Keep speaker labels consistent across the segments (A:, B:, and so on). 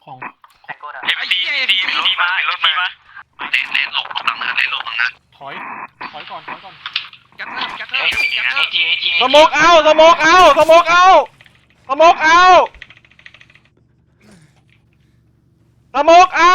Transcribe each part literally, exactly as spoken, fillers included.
A: ของ
B: เอ็มซีซีซีมาเป็นรถมาเลนเลนหลบตรงนั้นเลนหลบตรงนั้น
A: ถอยถอยก่อนถอยก่อน
C: ยัดเพิ่มยัดเพิ่ม
B: เอจีเอจีเอจี
D: สโมกเอาสโมกเอาสโมกเอาสโมกเอาสโมกเอา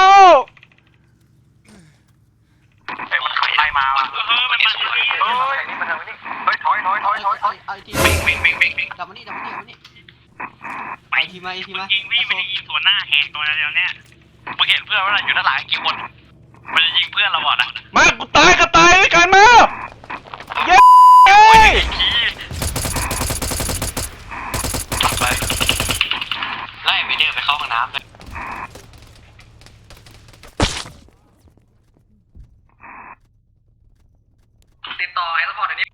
B: เฮ้ยมันขับไล่มาว่ะเออมันมาเฮ้ยนี่มันทางนี้เฮ้ยถอยถอยถอยถอยถอยวิ่งวิ่งวิ่งวิ่งวิ่ง
C: ดับมานี่ดับมานี่ดับมานี่ไปทีมาทีมา
B: ยิงพี่ไม่ได้ยิงสวนหน้าแหกตัวเดียวเนี่ยมึงเห็นเพื่อนว่าอยู่ด้านหลังกี่คนมันจะยิงเพื่อนเราหมดอ่ะ
D: มากูตายก็ตายด้วยกันมาเย้
B: ไปไล่ไปเดินไปเข้าห้องน้ำเลยติดต่อไอ้ซัพพอร์ตอันนี้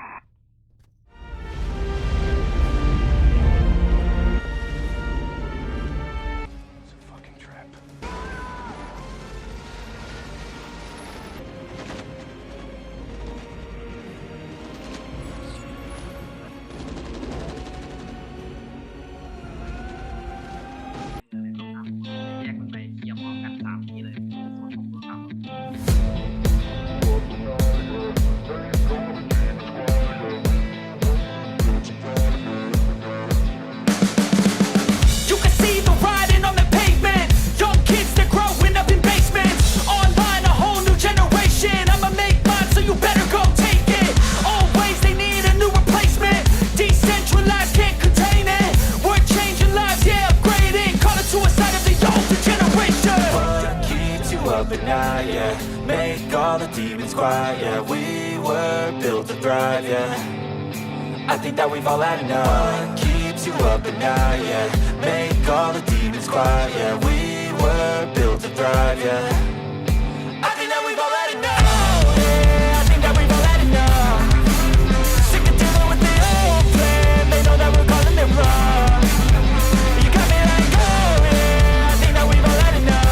E: But now, yeah, make all the demons quiet, yeah. We were built to thrive, yeah. I think that we've all had enough. What keeps you up at night, yeah. Make all the demons quiet, yeah. We were built to thrive, yeah. I think that we've all had enough. Oh, yeah, I think that we've all had enough. Sick of dealing with the old plan. They know that we're calling it wrong. You got me like, oh, yeah, I think that we've all had enough.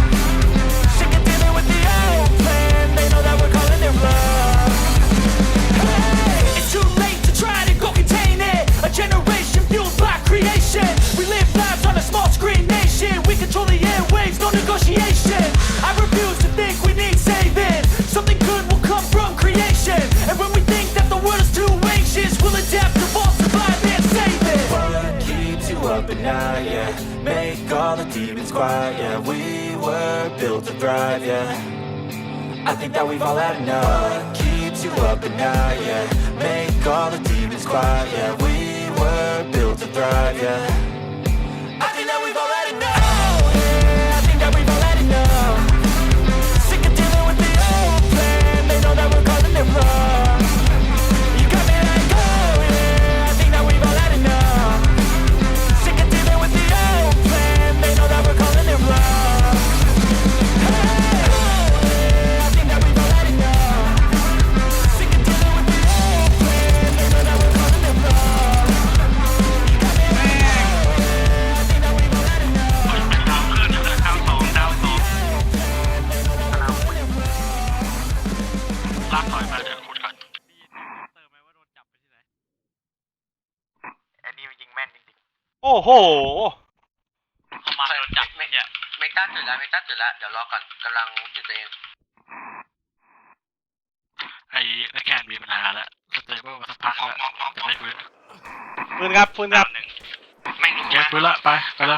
E: Generation fueled by creation. We live lives on a small screen nation. We control the airwaves, no negotiation. I refuse to think we need saving. Something good will come from creation. And when we think that the world is too anxious, we'll adapt, evolve, survive, and save it. What keeps you up at night, yeah. Make all the demons quiet, yeah. We were built to thrive, yeah. I think that we've all had enough. What keeps you up at night, yeah. Make all the demons quiet, yeah. We were built to thrive, yeah. I think that we've all had enough. Oh, yeah, I think that we've all had enough. Sick of dealing with the old plan. They know that we're calling it wrong. You got me like, oh, yeah, I think that we've all had enough. Sick of dealing with the old plan. They know that we're calling it wrong. Hey, oh, yeah, I think that we've all had enough. Sick of dealing with the old plan. They know that we're calling it wrong. ลากถอยมาเดี๋ยวขุดก่อนเติมไหมว่าโดนจับไปที่ไหนอันนี้ยิงแม่นจริงๆโอ้โหเขามาโดนจับไม่เนี่ยเมกาจุดแล้วเมกาจุดแล้วเดี๋ยวรอก่อนกำลังจุดตัวเองไอ้นักแข่งมีปัญหาแล้วสเตเบิลมาสักพักแล้วจะไม่ฟื้น
D: ฟื้นครับฟื้นครับ
B: แม่งลุก
E: มาฟื้นละไปไปแล้ว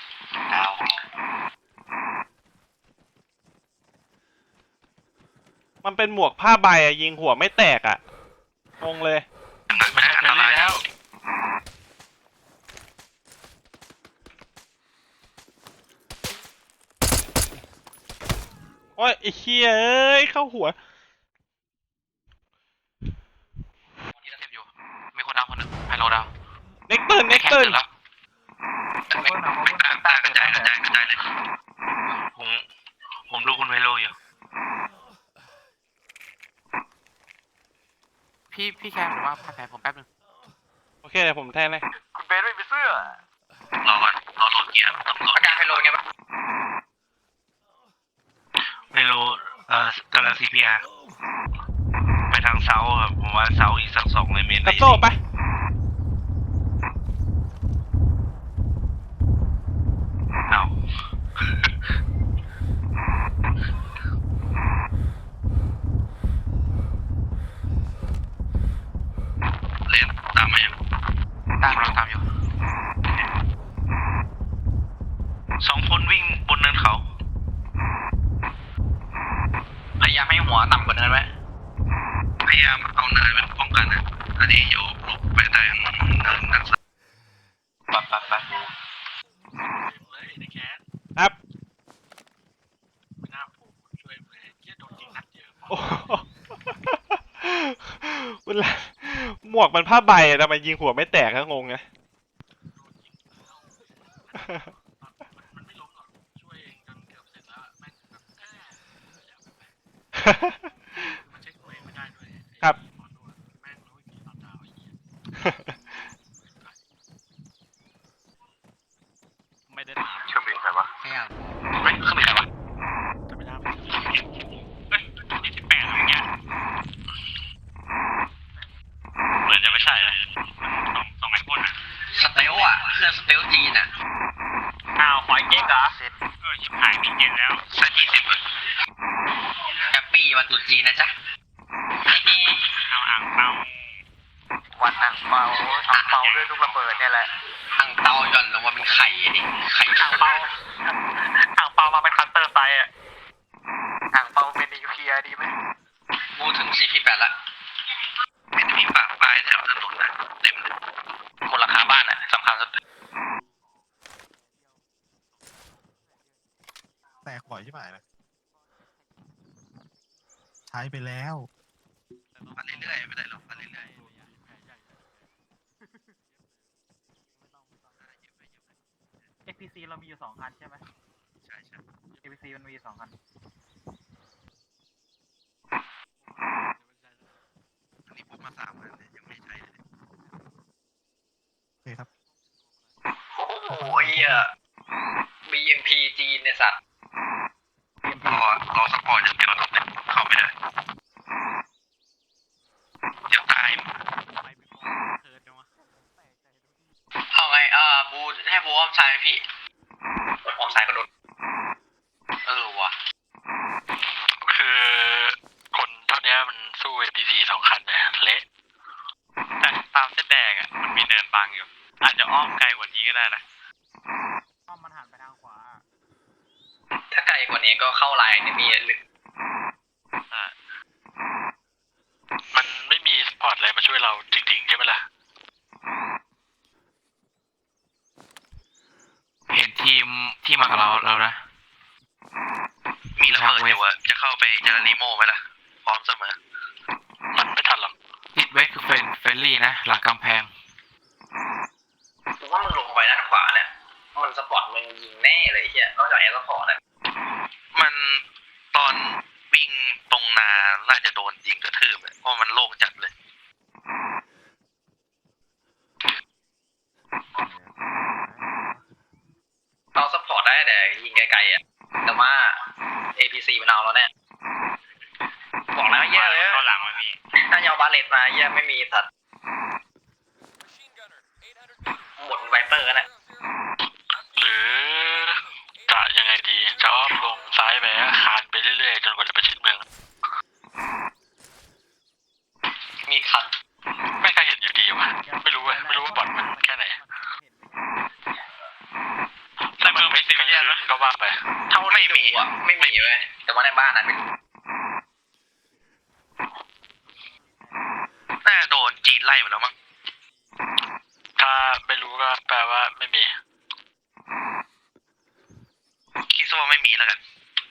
D: มันเป็นหมวกผ้าใบอะยิงหัวไม่แตกอะงงเลย
B: ไม่ได้ทำอะไรแล้ว
D: โอ้ยไอ้เหี้ยเอ้ยเข้าหัว
B: นี่เราเทปอยู่มีคนดาวคนหนึ่งไฮโลดาว
D: เน็กเติร์นเน็กเติร์น
B: แล้วไม่ไม่กล้ากล้ากระจายกระจายกระจายเลยผมผมดูคุณไฮโลอยู่พี่พี่แคมหรือว่าพักแผลผมแป๊บนึง
D: โอเคเดี๋ยวผมแทนเลย
B: คุณเบนไม่มีเสื้อรอก่อนรอรถเกียร์ต้องรออาการไฮโลเป็นไงบ้างไฮโลเอ่อกำลัง ซี พี อาร์ ไปทางเซาครับผมว่าเซาอีกสักสองเลยเมตร
D: กระโซ่ไป
B: เอาแบบแบบ
C: เลยในแคส
D: ครับ
C: ไม่น่าผมช่วยเลยเยี่ยโดนยิงนัดเดียว
D: โอ้โหคุณละหมวกมันผ้าใบอะทำไมยิงหัวไม่แตกก็งงไง
C: มันไม่ล้มหรอกช่วยเองจนเกือบเสร็จแล้วแม่งแบบแอบมันเช็คตัวเองไม่ได้ด้วย
D: ครับ
C: แม่งรู้วิธีตอนดาวไอ้เหี้ยไม่ได้ถาม
B: เครื่องบินใครวะ
C: พยายาม
B: เฮ้ยเครื่องบินใครวะ
C: จะไม่ได้เฮ้ยนี่สิบแปดอะไรเงี้ย
B: เหมือนจะไม่ใช่นะ
C: สองสองไอโฟนอ่ะ
B: สเตลอ่ะเครื่องสเตลจีนอ่ะอ้าวหอยเก๊กเหรอ
C: เออชิบหายมีเกณฑ์แล้ว
B: ใช่จีสิบเลยแฮปปี้วันตรุษจีนนะจ๊ะ
C: เอาอ่างเปา
B: วันอ่างเปาอ่างเปาด้วยลูกระเบิดเนี่ยแหละอ่างเปาหย่อนลงมาเป็นไข่ดิไข่อ่างเปาอ่างเปามาเป็นคัตเตอร์ไซอ่ะอ่างเปาเป็นนิวเคลียร์ดีไหมกูถึงซีพีแปดละเป็นมีปากปลายแถวถนนนะเต็มเลยมูลค่าบ้านอ่ะสำคัญสุด
A: แตกบ่อยใช่ไหมนะใช้ไปแล้ว
B: มาเรื่อยๆไม่ได้หรอกมาเรื่อย
A: เอ พี ซี เรามีอยู่สองคันใช่ไหม
B: ๆใช่ใช่
A: เอ พี ซี มันมีอยู่สองคัน
B: อันนี้พูดมาสามอันเนี่ยยังไม่ใช่เลย
A: โอเคครับ
B: โอ้ยอ่ะ บี เอ็ม พี จีนเนี่ยสัตว์รอรอสปอร์ตอย่างเดียวเนี่ยเข้าไม่ได้เดี๋ยวตายเอาไงอ่าบูให้บูอ้อมซ้ายไหมพี่อ้อมซ้ายก็โดนเออวะคือคนเท่านี้มันสู้ เอ พี ซี สองคันเนี่ยเละแต่ตามเส้นแดงอ่ะมันมีเนินบังอยู่อาจจะอ้อมไกลกว่านี้ก็ได้นะ
A: อ้อมมันหันไปทางขวา
B: ถ้าไกลกว่านี้ก็เข้าไลน์เนี่ยมีลึกอ่ามันไม่มีสปอร์ตอะไรมาช่วยเราจริงๆใช่ไหมล่ะ
F: เห็นทีมที่มากับเราเรานะ
B: มีระเบิดอยู่อะจะเข้าไปเจอรีโม่ไหมล่ะ พร้อมเสมอ มันไม่ทันหรอก
F: ทิศเวสคือเฟรนเฟรนลี่นะ หลังกำแพง
B: ผมว่ามึงลงไปด้านขวาเนี่ย มันสปอร์ตมึงยิงแน่เลยเฮียนอกจากแอร์สปอร์ตอะมันตอนวิ่งตรงนา น่าจะโดนยิงกระทืบเลยเพราะมันโล่งจัดเลย เราสปอร์ตได้แต่ยิงไกลๆอ่ะ แต่ว่า เอ พี ซี มันเอาแล้วเนี่ยบอกแล้วแย่เลยตอนหลังไม่มีถ้าเอาบาเลตมาแย่ไม่มีสัตว์หมดไวเปอร์นะหรือจะยังไงดี จะอ้อมลงซ้ายไปคานไปเรื่อยๆ จนกว่าจะไปชิดเมือง มีคัน ไม่เคยเห็นอยู่ดีวะไม่รู้เว้ยไม่รู้ว่าบอดมันแค่ไหนในเมืองมีซิวิเลียนนะก็ว่าไปเท่าไม่มีอ่ะไม่มีเว้ยแต่ว่าในบ้านนั้นไม่รู้น่าโดนจีนไล่มาแล้วมั้งถ้าไม่รู้ก็แปลว่าไม่มีคิดว่าไม่มีแล้วกัน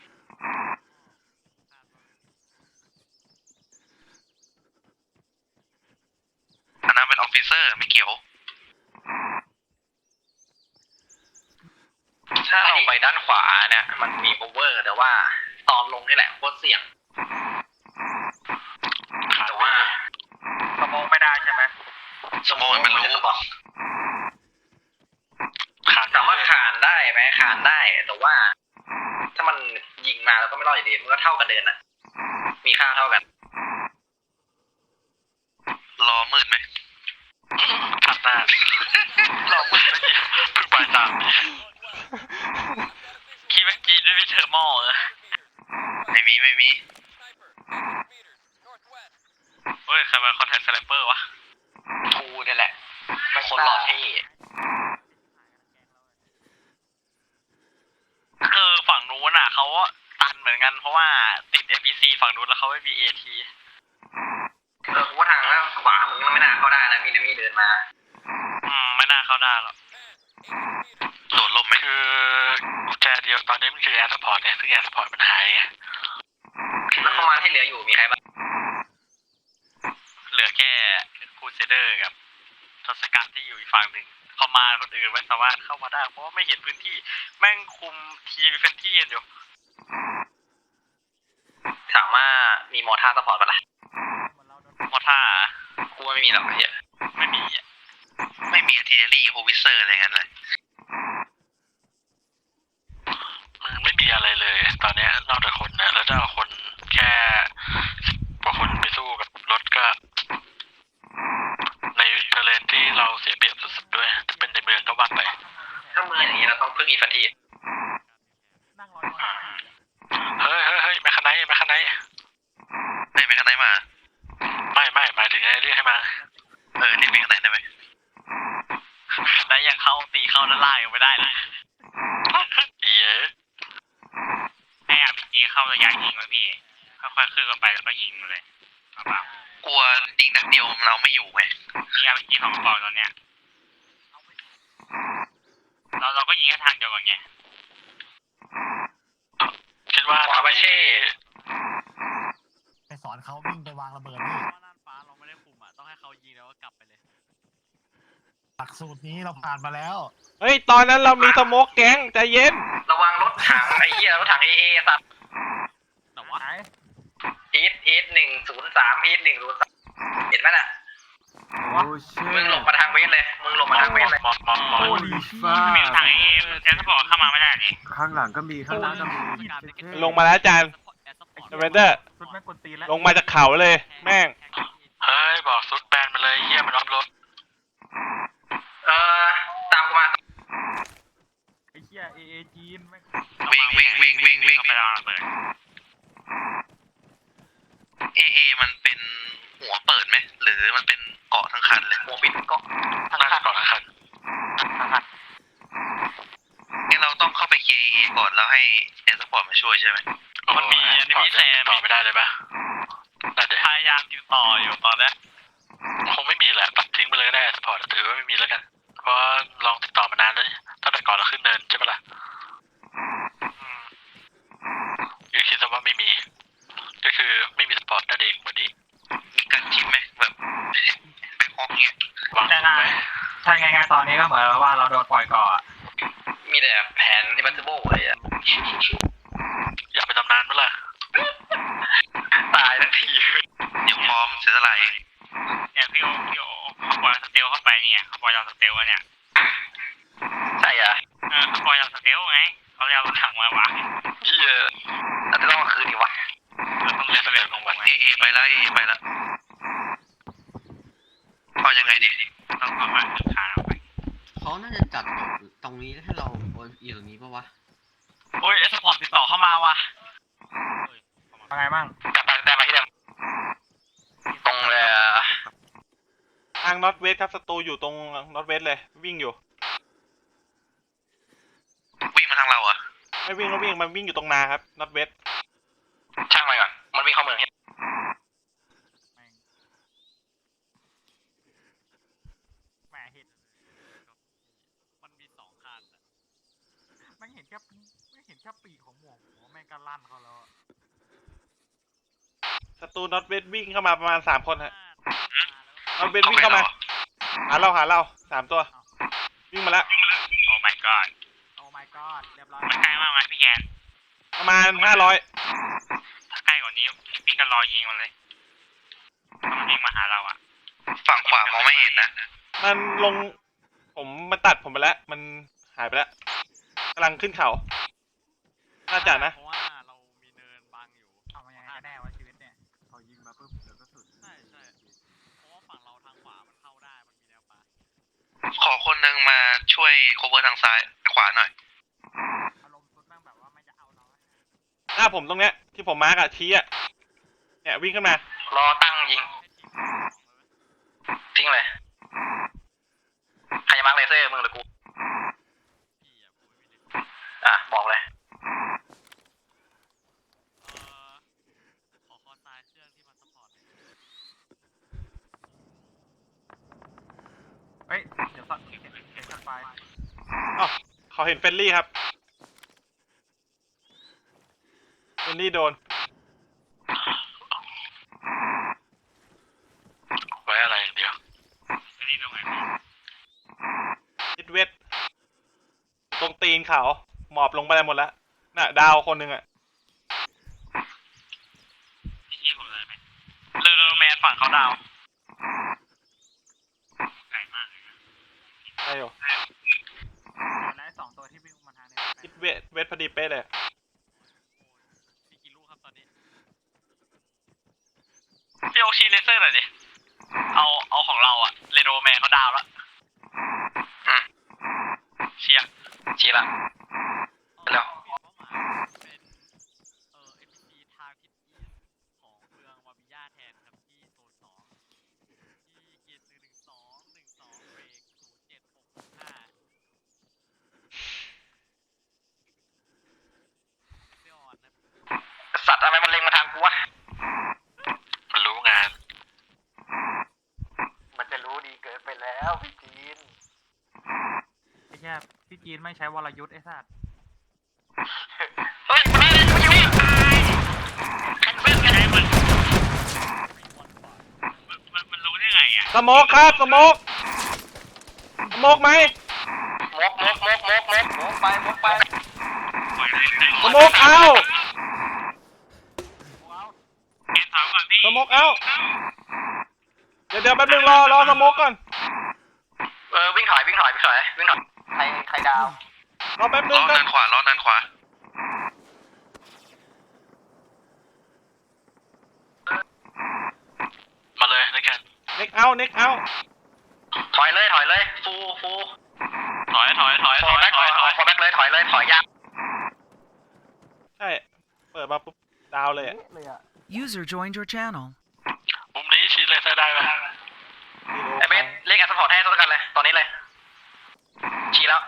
B: อันนั้นเป็นออฟฟิเซอร์ไม่เกี่ยวถ้าเราไปด้านขวาเนี่ยมันมีโอเวอร์แต่ว่าตอนลงนี่แหละโคตรเสี่ยงแต่ว่าสมองไม่ได้ใช่ไหมสมองมันรู้ขานสามารถขานได้ไหมขานได้แต่ว่าถ้ามันยิงมาแล้วก็ไม่รอดอยู่ดีมันก็เท่ากันเดินอ่ะมีค่าเท่ากันรอมืดไหมขัดหน้ารอมืดไม่ดีเพิ่งไปตามคิดว่าจีนไม่มีเทอร์โมเหรอไม่มีไม่มีเฮ้ยใครมาคอนแทคสไนเปอร์วะกูนี่แหละคนหล่อที่คือฝั่งนู้นอ่ะเขาตันเหมือนกันเพราะว่าติด เอ พี ซี ฝั่งนู้นแล้วเขาไม่มี เอ ที เออกูว่าทางแล้วขวามึงมันไม่น่าเข้าได้นะมีนมี่เดินมาอืมไม่น่าเข้าได้หรอก
C: คือแอร์สปอร์ตเนี่ยซึ่งแอร์สปอร์ตมันหายไง
B: แล้วเข้ามาที่เหลืออยู่มีใครบ้างเหลือแค่คูเซเดอร์กับทศกัณฐ์ที่อยู่อีกฝั่งหนึ่งเข้ามาคนอื่นไม่สามารถเข้ามาได้เพราะว่าไม่เห็นพื้นที่แม่งคุมทีมเป็นที่กันอยู่ถามว่ามีมอท่าสปอร์ตปะล่ะมอท่ากูว่าไม่มีหรอกเฮียไม่มีอ่ะไม่มีอาร์ติเลอรี่โฮวิเซอร์อะไรงั้นเลย
C: มึงไม่มีอะไรเลย ตอนนี้นอกจากคนนะแล้วถ้าเอาคนแค่กว่าคนไปสู้กับรถก็ ในเทเลนที่เราเสียเปรียบสุดๆด้วยถ้าเป็นในเมืองก็ว่าไป
B: ถ้าเมืองอย่างนี้เราต้องพึ่งอีฟันที
A: นั่งรอมาหาที่
C: เฮ้ยเฮ้ยเฮ้ยแมคคาไนท์แมคคาไนท์
B: เฮ้ยแมคคาไนท์มา
C: ไม่ไม่หมายถึงไอ้เรียกให้มา
B: เออเรียกแมคคาไนท์ได้ไหมได้ยังเข้าตีเข้าด้านล่างยังไม่ได้เลย
C: เอ๋
F: ให้อาร์พีจีเข้าระยะยิงไว้พี่ค่อยๆขึ้นกันไปแล้วก็ยิงมาเลยเอาเปล่าก
B: ลัวยิงนัดเดียวเราไม่อยู่ไง
F: มีอาร์พีจีสองกระบอกตอนเนี้ยเราเราก็ยิงแค่ทางเดียวก่อนไง
C: คิดว่า
B: ขวาบาเช่
G: ไปสอนเขาวิ่งไปวางระเบิดนี่
A: ว่าน่านฟ้าเราไม่ได้คุมอ่ะต้องให้เขายิงแล้วก็กลับไปเลย
G: หลักสูตรนี้เราผ่านมาแล้ว
D: เฮ้ย ตอนนั้นเรามีสโมกแก๊งใจเย็น
B: ระวังรถถังไอ้เหี้ยรถถังเอเอสัตว์
A: แต่ว่า
B: อีทอีทหนึ่งศูนย์สามอีทหนึ่งศูนย์สามเห็นไหมน่ะมึงหลบมาทางเวสเลยมึงหลบมาทางเวสเลย
C: มอนมอนมอน
A: โอ้ดีฟ้า
F: มีทางเอแอร์สปอร์ตเข้ามาไม่ได้ดิ
H: ข้างหลังก็มีข้างหน้าก็มี
D: ลงมาแล้วอาจารย์เวนเดอร์
A: ชุดแม่งกวนตีนแล้ว
D: ลงมาจากเขาเลย แม่ง
C: เฮ้ยบอกซุดแบนมาเลยเฮียมันล้อมรถ
B: เออตามกูมา
A: ไอ้เหี้ยเอเอจีนแม่ง
B: วิ่งวิ่งวิ่งวิ่งวิ่ง
F: เข้าไปวางระเบิด
B: เอเอมันเป็นหัวเปิดไหมหรือมันเป็นเกาะทั้งคันเลยหัวปิดเกาะทั้ง
C: น่า
B: คั
C: จะ
B: น
C: ก่อนละคัน
B: ทั้งคันงั้นเราต้องเข้าไปเคลียร์ เอ เอ ก่อนแล้วให้แอร์สปอร์ตมาช่วยใช่ไหม
F: มันมีอันนี้มีแซม
C: ต่อไม่ได้เลยปะได้เดี๋ยว
F: พยายามอยู่ต่ออยู่ตอนนี้
C: คงไม่มีแหละตัดทิ้งไปเลยก็ได้สปอร์ตถือว่าไม่มีแล้วกันเพราะลองติดต่อมานานแล้วตั้งแต่ก่อนเราขึ้นเนินใช่ปะล่ะคือคิดซะว่าไม่มี ก็คือไม่มีสปอร์ตนั่นเองวันนี้
B: มีการชิมไหมแบบแบงคอกเงี้ยว
C: างถูกไหม
A: ถ้าง่ายๆตอนนี้ก็เหมือนว่าเราโดนปล่อยก่อน
B: มีแต่แผนอิบัตเบิลอะไรอ่ะ
C: อยากไปตำนานมั้ยล่ะ
B: ตายทั้งทีเดี๋ยวพร้อมเสียสละเอง
F: เนี่ยพี่โอพี่โอเขาปล่อยสเตลเข้าไปเนี่ยเขาปล่อยเราสเตลเนี่ย
B: ใช่อ่ะ
F: เออเขาปล่อยเราสเตลไงเขาเลยเอารถถังมาวาง
B: เฮียเราจะต้องมาคืนดีวะ
F: เราต้องเรียนสเตลของมัน
B: เอเอไปแล้วเอเอไปแล้วพอยังไงดี
F: ต้องเอามาขึ้นขาเอาไป
I: เขาน่าจะจัดแบบตรงนี้ให้เราอยู่ตรงนี้ปะวะ
F: โอ้ยเอสปอร์ตติดต่อเข้ามาว่ะ
A: ว่าไงบ้าง
B: กลับไปแต่มาที่เดิมตรงเลย
D: ทางน็อตเวสครับศัตรูอยู่ตรงน็อตเวสเลย วิ่งอยู่
B: วิ่งมาทางเราอ่ะ
D: ไม่วิ่งก็วิ่ง มันวิ่งอยู่ตรงนาครับน็อตเวส
B: ช่างไปก่อนมันวิ่งเข้าเมือง
A: แหมเห็นมันมีสองคันอะแม่งเห็นแค่ไม่เห็นแค่ปีกของหมวกหัวแม่งก็ลั่นเขาแล้วอะ
D: ศัตรูน็อตเวสวิ่งเข้ามาประมาณสามคนฮะน็อตเวสวิ่งเข้ามา หาเราหาเราสามตัว วิ่งมาแล้ว
F: โอ้ my god
A: โอ้ my god เรียบร้อย
F: มันใกล้มากไหมพี่แกน
D: ประมาณห้าร้อย
F: ถ้าใกล้กว่านี้พี่ก็รอยิงมันเลยถ้ามันยิงมาหาเราอ่ะ
B: ฝั่งขวามองไม่เห็นนะ
D: มันลง ผมมันตัดผมไปแล้ว มันหายไปแล้วกำลังขึ้นเขา น่าจะนะ
A: เพราะว่าเรามีเนินบังอยู่เอามายังไงกันแน่วะชีวิตเนี่ยเขายิงมาปุ๊บเดี๋ยวก็สุดใช่ใช่เพราะว่าฝั่งเราทางขวามันเข้าได้มันมีแนวป่า
B: ขอคนหนึ่งมาช่วยโคเวอร์ทางซ้ายขวาหน่อย
A: อารมณ์สุดแม่งแบบว่าไม่จะเอาเราอะ
D: หน้าผมตรงเนี้ยที่ผมมาร์กอะชี้อะเนี่ยวิ่งขึ้นมา
B: รอตั้งยิง ทิ้งเลย ใครจะมาร์คเลเซอร์มึงหรือกู อ่ะ บอกเลย
A: ขอคอซ้ายเครื่องที่มันซัพพอร์ตเฮ้ยเดี๋ยวสัตว์เห็นเห็นกันไป
D: อ๋อเขาเห็นเฟรนลี่ครับนนี่โดน
C: ไว้อะไรอย่างเดียว
F: ไม่ได้ตรงไหน
D: ทิศเวทตรงตีนเขาหมอบลงไปได้หมดแล้วน่ะดาวคนหนึ่งอะ
F: ที่ผมเลยไหมเรือแมนฝั่งเขาดาวไกลมากเลยนะ
D: ได้อยู่
A: และสองตัวที่วิ่งมาทางเนี้ย
D: ทิศเวทเวทพอดีเป๊ะเลย
A: มีกี่ลูกครับตอนนี้
F: พี่โอชีเลเซอร์หน่อยดิเอาเอาของเราอะเรโดแมนเขาดาวแล้วเชียร์เชียร์ละเร็ว
A: เป้าหมายเป็นเอ่อ เอ็น พี ซี ทางทิศอีสของเมืองวาบิยาแทนครับที่โซนสองที่เกียร์หนึ่งหนึ่งสองหนึ่งสองเบรกศูนย์เจ็ดหกห้าเซออนนะ
F: สัตว์อะไรมันเล็งมาทางกูวะ
C: มันรู้งาน
B: มันจะรู้ดีเกินไปแล้วพี่จีน
A: ไอ้แค่พี่จีนไม่ใช้วรยุทธ์ไอ้สัตว์
F: เฮ้ยมันไม่มันยังไม่ตายคันเบิ้ลไงมันมันมันรู้ได้ไงอ่ะ
D: สโมกครับสโมกสโมกไหม
B: มกมกมกมกมกมกไปมกไป
D: สโมกเอา
F: เก็บถามก่อนพี่
D: สโมกเอาเดี๋ยวเดี๋ยวแป๊บนึงรอรอสโมกก่อน
B: เออวิ่งถอยวิ่งถอยวิ่งถอยวิ่งถอยใครใครดาว
D: รอแป๊บนึ
C: ล้
D: ง
C: อ
D: กั
C: ด้าน นขวาล้อด้านขวา มาเลยนะแกน
D: เน็กเอาเน็กเอา
B: ถอยเลยถอยเลยฟูฟู
F: ถอยถอยถอย
B: ฟ
F: ถ
B: อ
F: อย
B: ร์แบ็ก
F: ถอยถอย
B: ฟอร์แบ็กเลยถอยเลยถอยยาก
D: ใช่เปิดมาปุ๊บดาวเลยอะ
E: User joined your channel.
C: มุมนี้ชี้เลยได้ไหม
D: ดีโอ
B: ไอเบสเรียกแอสพอร์ตให้ตัวกันเลยตอนนี้เลยชี้แล้ว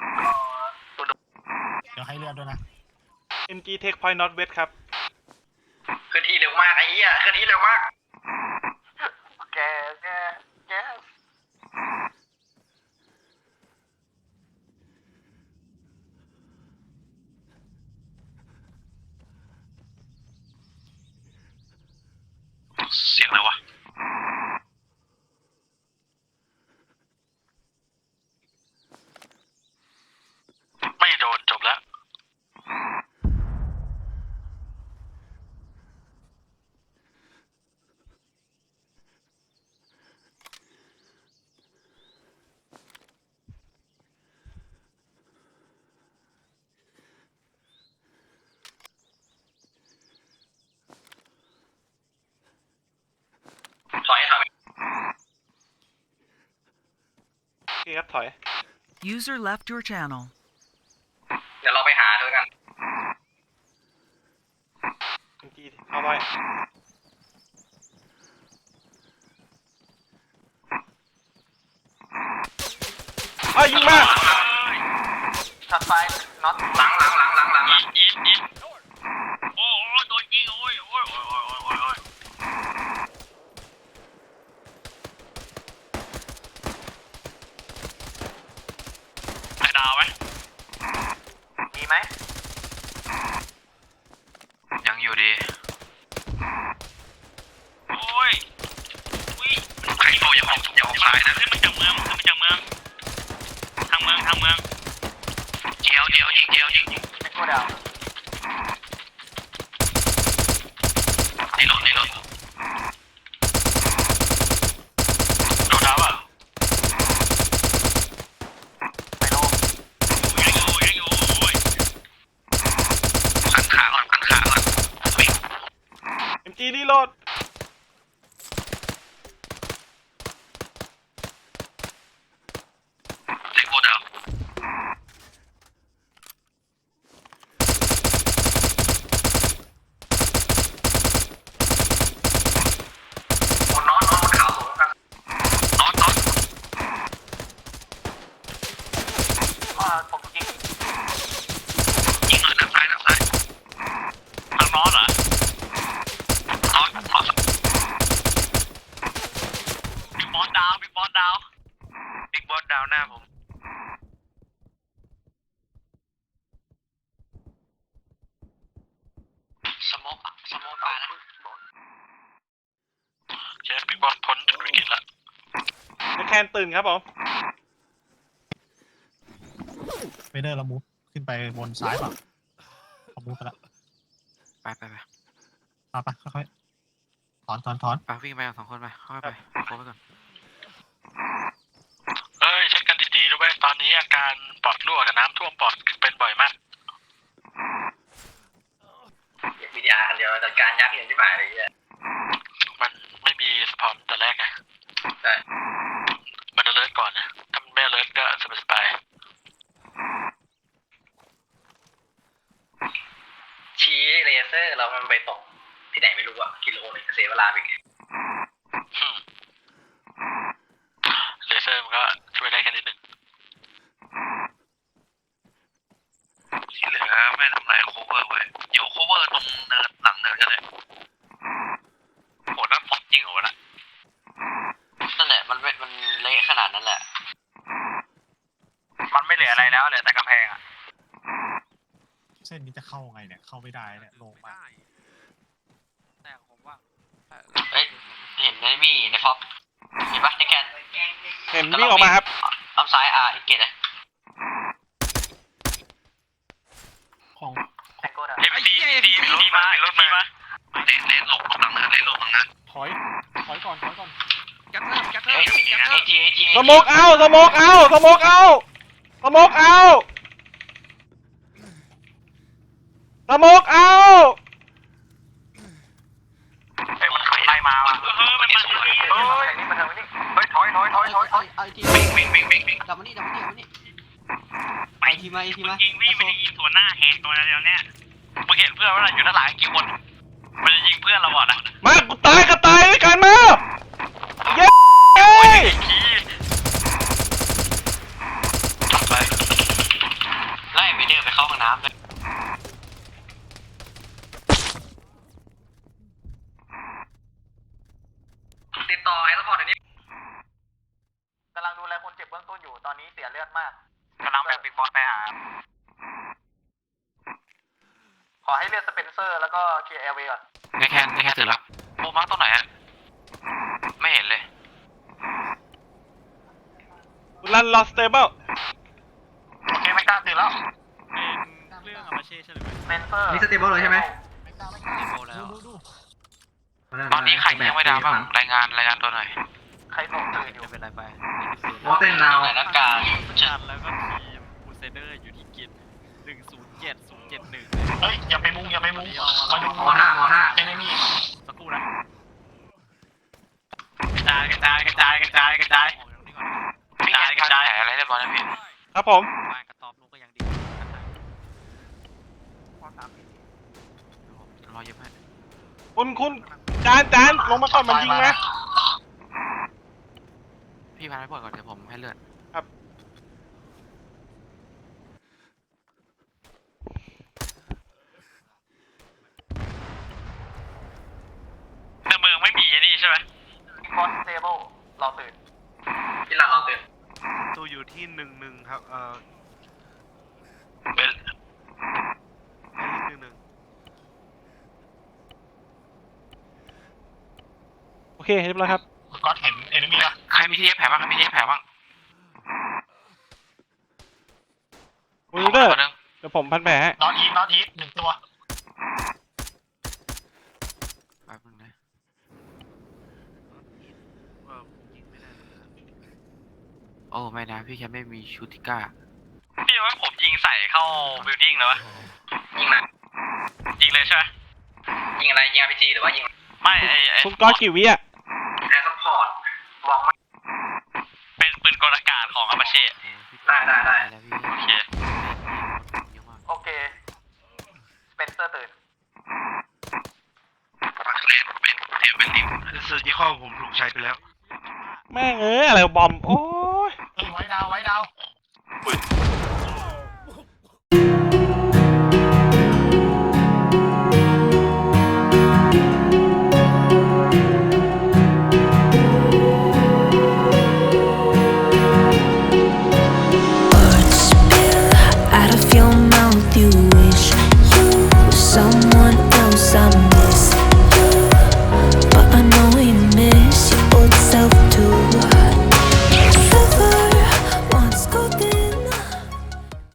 G: เดี๋ยวให้เลือดด้วยนะ
D: เอ็มจีเทคพอยต์น็อตเวทครับ
B: เคลื่อนที่เร็วมากไอ้เหี้ยเคลื่อนที่เร็วมากแกแกแก
C: เสียงอะไรวะ ไม่โดนจบแล้ว
B: ถอยถอย
D: โอเคครับถอย
E: User left your channel.
B: เดี๋ยวเราไปหาด้วยกัน
D: เอ็มจีเอาไว้เอ้ยยิงมา
B: ถัดไปน็อตหลังหลังหลังหลังหลังหลัง
F: อีทอีทโอ้โหโดนยิงโอ้ยโอ้ยโอ้ยโอ้ยโอ้ยโอ้ยไอ้ดาวไหม
B: ดีไหม
C: ยังอยู่ดี
F: โอ้ยอุ้ย
C: ใครโตอย่าออกอย่าออกซ้ายนะ
F: ขึ้นมาจากเมืองขึ้นมาจากเมืองทางเมืองทางเมือง
C: เจียวเจียวยิงเจียวยิง
B: ไอ้กูดาว
C: นี่รถนี่รถโดนดาวอ่ะ
B: ไปโล
F: ยังอยู่ยังอยู่โอ้ย
C: ขันขาก่อนขันขาก่อนวิ่ง
D: เอ็มจีรีโหลด
C: เล็กโบดาว
B: บนน็อตน็อตบนเขาสูงกัน
C: น็อตน็อต
B: ว่าผมยิง
C: ยิงเลยด้านซ้ายด้านซ้าย
F: ทางนอตเหรอ
C: น็อตน็อต
F: บิ๊กบอสดาวบิ๊กบอสดาว
C: บิ๊กบอสดาวหน้าผม
D: คนตื่นครับผม
G: เฟเดอร์เรามูฟขึ้นไปบนซ้ายเปล่าเขามูฟไปแล้ว
B: ไปไปไป
G: มาปะค่อยๆถอนถอนถอน
B: ไปวิ่งไปกันสองคนไปเข้าไปโค้งไปก่อน
C: เอ้ยเช็คกันดีๆด้วยตอนนี้อาการปอดรั่วกับน้ำท่วมปอดเป็นบ่อยมาก
B: วิดีอาร์เดียวจัดการยักษ์อย่างที่หมายเลยเนี่ย
C: มันไม่มีสปอนแต่แรกไง
B: ใช่
C: มันจะเลิศก่อนนะถ้ามันไม่เลิศก็สบายสบาย
B: ชี้เลเซอร์เรามันไปตกที่ไหนไม่รู้อะกิโลหนึ่งเสียเวลาไปไง
C: อืมเลเซอร์มันก็ช่วยได้แค่นิดนึงที่เหลือไม่ทำลายโคเวอร์ไว้อยู่โคเวอร์ตรงเนินหลังเนินก็ได้
F: โหนั่นฟอกจริงเหรอวะน่ะ
B: นั่นแหละมันมันเละขนาดนั้นแหละ
F: มันไม่เหลืออะไรแล้วเหลือแต่กำแพงอ่ะ
G: เส้นนี้จะเข้าไงเนี่ยเข้าไม่ได้เนี่ยลงมา
A: ได้แต่ผมว่า
B: เฮ้ยเห็นไอ้มี่ในฟอกเห็นปะในแกน
D: เห็นวิ่งออกมาครับ
B: ลำซ้ายอ่ะอีกเกตนะ
G: ของ
B: แองโก้ด
C: เอฟซีดีดีมาเป็นรถมาเล่นเล่นลงหลังเนินเล่นลงหลังเนิน
G: ถอยถอยก่อนถอยก่อน
A: กัดเริ่มกัดเริ่
B: เอ
A: ม
B: จีเอจีเอจี
D: สโมกเอาสโมกเอาสโมกเอาสโมกเอาสโมกเอา
F: เฮ้ยมันไล่มาว่ะเออมันมาเฮ้ยนี่มาทางนี้เฮ้ยถอยถอยถอยถอยถอย
I: ไอที
F: วิ่งวิ่งวิ่งวิ่งวิ่ง
I: ดับมานี่ดับมานี่ดับมานี่
F: ไป
I: ไอทีมาไอทีมา
F: ยิงวิ่งมันจะยิงตัวหน้าแหกตัวเดียวเนี่ยมึงเห็นเพื่อนว่าอยู่ด้านหลังกี่คนมันจะยิงเพื่อนเราก่อนนะ
D: มากูตายก็ตายด้วยกันมาเย้เย้ย
C: จับไป
B: ไล่ไปเดินไปเข้าห้องน้ำเลยติดต่อไอ้ซัพพอร์ตเดี๋ยวนี้กำลังดูแลคนเจ็บเบื้องต้นอยู่ตอนนี้เสียเลือดมาก
F: กำลังแบ่งบิ๊กบอสไปหา
B: ขอให้เลือดสเปนเซอร์แล้วก็เคลียร์แอร์เวย์ก่อน
C: ในแคนในแคนตื่นแล้วโบมาร์กตรงไหนอะไม่เห็นเลย
D: รันลอสเตเบิล
F: โอเคไม่กล้าตื่นแล้ว
A: เป็นเรื่องอามาเช่ใช่ไหม
B: สเปนเซอร์
I: นี่สเตเบิลเลยใช่ไหม
A: แล้ว
G: ดูดู
C: ตอนนี้ใครยังไม่ดาวบ้างรายงานรายงานตัวหน่อย
B: ใครส่งตื่นอยู่
A: เป็นไรไป
I: โมเต้นนาว
B: ไหนนักการ
A: จันแล้วก็ทีมบูเซเดอร์อยู่ที่กินหนึ่งศูนย์เจ็ดศูนย์เจ็ดหนึ่ง
C: เฮ้ยอย่าไปมุงอย่าไปมุงมาดู
I: มห้ามห้า
C: เอนมี่
A: สักครู่นะกระจายกระจายกระจายกระจายกระจายออกจากตรงนี้ก่อน
C: พี่แอนกระจายอะไรเรียบร้อยแล้วพี่
D: ครับผม
A: บ้านกระต๊อบลูกก็ยังดี
C: รอเยอะมาก
D: คุณคุณจานจานลงมาก่อนมันยิงนะ
C: พี่พาไปปล่อยก่อนเดี๋ยวผมให้เลือด
D: ครับ
F: ในเมืองไม่มีไอ้นี่ใช่ไหม
B: คอนเทเบิลรอตื่นพี่หลังรอตื่น
D: ตัวอยู่ที่หนึ่งหนึ่งครับเอ่อ
C: เป็น
D: หนึ่งหนึ่งโอเคเรียบร้อยครับ
C: ก็เห็นเอนมี่ละใครมีที่เย็บแผลบ้างใครมีที่เย็บแผลบ้าง
D: คุณรูเดอร์เดี๋ยวผมพันแผลให้
C: นอตอีทนอตอีทหนึ่งตัวแป๊บนึงนะ
A: เออยิงไม่ได้
C: โอ้ไม่นะพี่แค่ไม่มีชูติก้า
F: พี่ว่าผมยิงใส่เข้าบิลดิ้งเลยวะ
B: ยิงนะ
F: ยิงเลยใช่ไหม
B: ยิงอะไรยิงอาร์พีจีหรือว่ายิง
F: ไม่ไอไอ
D: คุณก้อนกี่วิอ่ะ
B: แอร์ซัพพอร์ตมองไม่
F: เป็นปืนกลอากาศของอามาเช่
B: ได้ได้ได้
C: แล้วพี่
F: โอเค
C: เยอะมาก
B: โอเคสเปนเซอร์ตื่น
C: เล่นเป็นเทียบเป็นลิมเซอร์ที่ข้อผมถูกใช้ไปแล้ว
D: แม่งเอ้ยอะไรบอมโอ้ย
G: เฮ้ยไว้ดาวไว้ดาว
H: Out of your mouth, you wish you were someone